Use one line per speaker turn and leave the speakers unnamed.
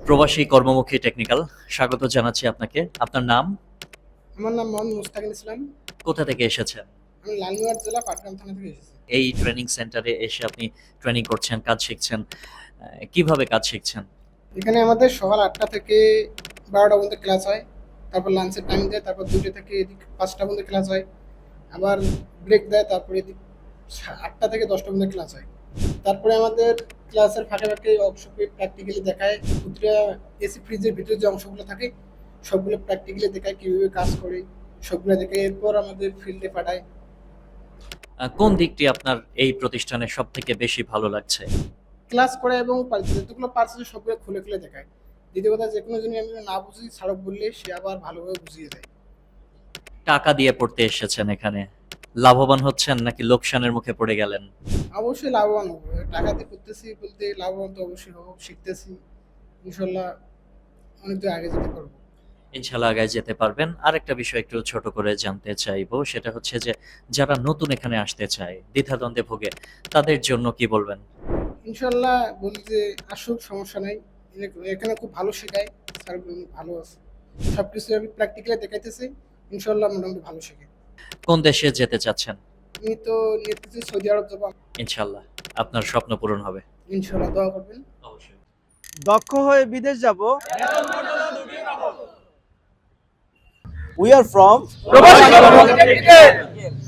প্রবাসী কর্মমুখী টেকনিক্যাল, স্বাগত জানাচ্ছি আপনাকে। আপনার নাম?
আমার নাম মোহাম্মদ মুস্তাকিন ইসলাম।
কোথা থেকে এসেছেন?
আমি লালমনিরহাট জেলা পাটগ্রাম থানা থেকে এসেছি।
এই ট্রেনিং সেন্টারে এসে আপনি ট্রেনিং করছেন, কাজ শিখছেন। কিভাবে কাজ শিখছেন?
এখানে আমাদের সকাল ৮টা থেকে ১২টা পর্যন্ত ক্লাস হয়, তারপর লাঞ্চের টাইম দেয়, তারপর ২টা থেকে এদিক ৫টা পর্যন্ত ক্লাস হয়, আবার ব্রেক দেয়, তারপরে এদিক ৮টা থেকে ১০টা পর্যন্ত ক্লাস হয়। তারপরে আমাদের ক্লাসের ফাঁকে ফাঁকে অংশকে প্র্যাকটিক্যালি দেখায়। প্রতিটা এসি ফ্রিজের ভিতরে যে অংশগুলো থাকে সবগুলো প্র্যাকটিক্যালি দেখায়, কীভাবে কাজ করে সবগুলো দেখে এরপর আমাদের ফিল্ডে পাঠায়।
কোন দিকটি আপনার এই প্রতিষ্ঠানে সবথেকে বেশি ভালো লাগছে?
ক্লাস করে এবং যতগুলো পার্টস আছে সবগুলো খুলে খুলে দেখায়। দ্বিতীয় কথা, যে কোনো জিনিস আমি না বুঝি স্মারক বললে সে আবার ভালোভাবে বুঝিয়ে দেয়।
টাকা দিয়ে পড়তে এসেছেন এখানে, লাভবান হচ্ছেন নাকি লোকসানের মুখে পড়ে গেলেন?
অবশ্যই লাভবান হবো, টাকা দিয়ে করতেছি বলতে লাভবান তো অবশ্যই হবো, শিখতেছি, ইনশাল্লাহ অনেক দূর আগে যেতে পারবো।
ইনশাল্লাহ আগায় যেতে পারবেন। আরেকটা বিষয় একটু ছোট করে জানতে চাইবো, সেটা হচ্ছে যে যারা নতুন এখানে আসতে চায়, দ্বিধাদ্বন্দ্বে ভোগে, তাদের জন্য কি বলবেন?
ইনশাল্লাহ বলি যে আসুক, সমস্যা নাই। এখানে খুব ভালো শেখায়, স্যার ভালো আছে, সব কিছু আমি প্র্যাকটিক্যালি দেখাইতেছি, ইনশাল্লাহ মোটামুটি ভালো শেখে।
কোন দেশে যেতে চাচ্ছেন?
আমি তো নিতেছি সৌদি আরব যাবো।
ইনশাল্লাহ আপনার স্বপ্ন পূরণ হবে।
ইনশাল্লাহ দোয়া করবেন।
অবশ্যই।
দক্ষ হয়ে বিদেশ যাব। We are from প্রবাসী কর্মমুখী টেকনিক্যাল।